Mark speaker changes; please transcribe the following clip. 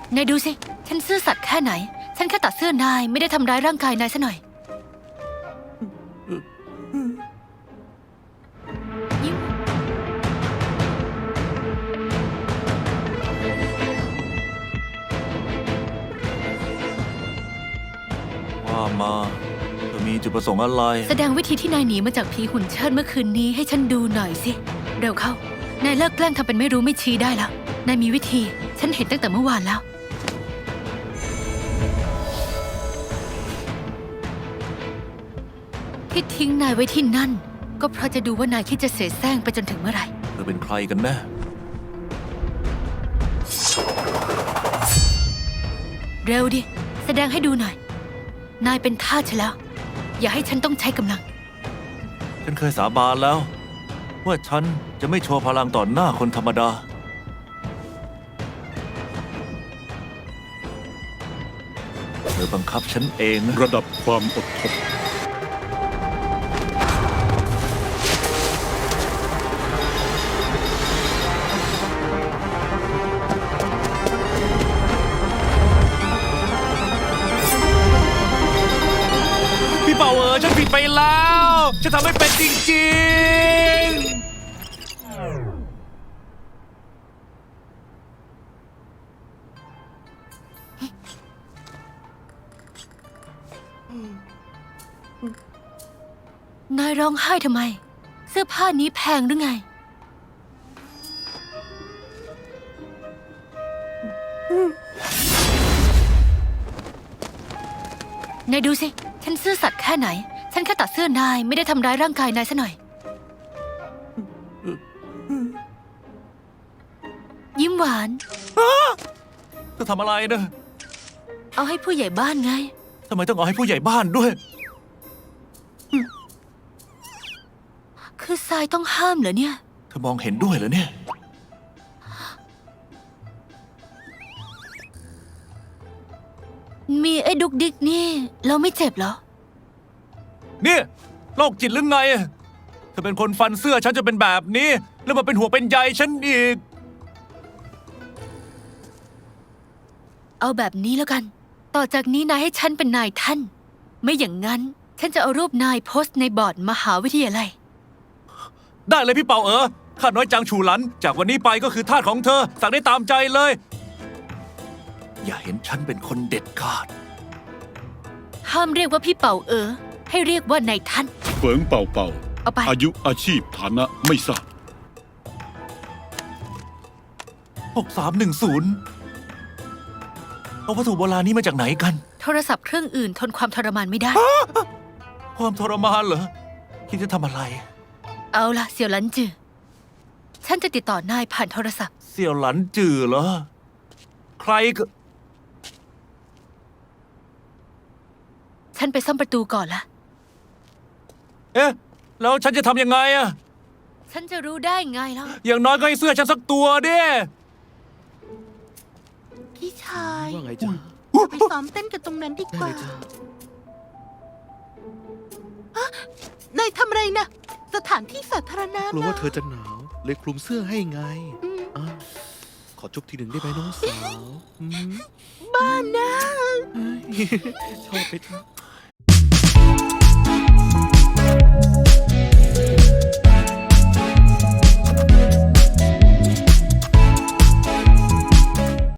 Speaker 1: นายดูสิฉันซื่อสัตย์แค่ไหนฉันแค่ตัดเสื้อนายไม่ได้ทำร้ายร่างกายนายซะหน่อยยิ้ม
Speaker 2: ว่ามาเธอมีจุดประสงค์อะไร
Speaker 1: แสดงวิธีที่นายหนีมาจากผีหุ่นเชิดเมื่อคืนนี้ให้ฉันดูหน่อยสิเร็วเข้านายเลิกแกล้งทำเป็นไม่รู้ไม่ชี้ได้แล้วนายมีวิธีฉันเห็นตั้งแต่เมื่อวานแล้วที่ทิ้งนายไว้ที่นั่นก็เพราะจะดูว่านายคิดจะเสแสร้งไปจนถึงเมื่อไหร่
Speaker 2: เธอเป็นใครกันแน่
Speaker 1: เร็วดิแสดงให้ดูหน่อยนายเป็นทาสฉันแล้วอย่าให้ฉันต้องใช้กำลัง
Speaker 2: ฉันเคยสาบานแล้วว่าฉันจะไม่โชว์พลังต่อหน้าคนธรรมดาเธอบังคับฉันเอง
Speaker 3: ระดับความอดทน
Speaker 2: พี่เป่าฉันผิดไปแล้วฉันทำไม่เป็นจริง
Speaker 1: นายร้องไห้ทำไมเสื้อผ้านี้แพงหรือไงนายดูสิฉันซื่อสัตย์แค่ไหนฉันแค่ตัดเสื้อนายไม่ได้ทำร้ายร่างกายนายซะหน่อยยิ้มหวาน
Speaker 2: เธอทำอะไรนะ
Speaker 1: เอาให้ผู้ใหญ่บ้านไง
Speaker 2: ทำไมต้องเอาให้ผู้ใหญ่บ้านด้วย
Speaker 1: คือทรายต้องห้ามเหรอเนี่ย
Speaker 2: เธอมองเห็นด้วยเหรอเนี่ย
Speaker 1: มีไอ้ดุกดิกนี่เราไม่เจ็บเหรอ
Speaker 2: เนี่ยโรคจิตหรือไงเธอเป็นคนฟันเสื้อฉันจะเป็นแบบนี้แล้วมาเป็นหัวเป็นใยฉันอีก
Speaker 1: เอาแบบนี้แล้วกันต่อจากนี้นายให้ฉันเป็นนายท่านไม่อย่างนั้นฉันจะเอารูปนายโพสต์ในบอร์ดมหาวิทยาลัย
Speaker 2: ได้เลยพี่เป่าข้าน้อยจางฉูหลันจากวันนี้ไปก็คือทาสของเธอสั่งได้ตามใจเลยอย่าเห็นฉันเป็นคนเด็ดขาด
Speaker 1: ห้ามเรียกว่าพี่เป่าให้เรียกว่านายท่าน
Speaker 3: เฟิงเป่าเป่า
Speaker 1: เอาไป
Speaker 3: อายุอาชีพฐานะไม่ทราบ
Speaker 2: 6310เอาวัตถุโบราณนี้มาจากไหนกัน
Speaker 1: โทรศัพท์เครื่องอื่นทนความทรมานไม่ได้
Speaker 2: ความทรมานเหรอคิดจะทำอะไร
Speaker 1: เอาล่ะเสี่ยวหลันจือฉันจะติดต่อนายผ่านโทรศัพท์
Speaker 2: เสี่ยวหลันจือเหรอใครก็
Speaker 1: ฉันไปซ่อมประตูก่อนละ
Speaker 2: เอ๊ะแล้วฉันจะทำยังไงอะ
Speaker 1: ฉันจะรู้ได้ไงล่ะ
Speaker 2: อย่างน้อยก็ให้เสื้อฉันสักตัวดิ
Speaker 4: พี่ชาย
Speaker 5: ว่าไงจ๊ะ
Speaker 4: ไปซ้อมเต้นกันตรงนั้นดีกว่านายทำอะไรนะสถานที่สาธารณะ
Speaker 5: กลัวว่า
Speaker 4: นะ
Speaker 5: เธอจะหนาวเลยคลุมเสื้อให้ไงขอจุ๊บทีหนึ่งได้ไหมน้องสาว
Speaker 4: บ้านะ
Speaker 5: ชอบไป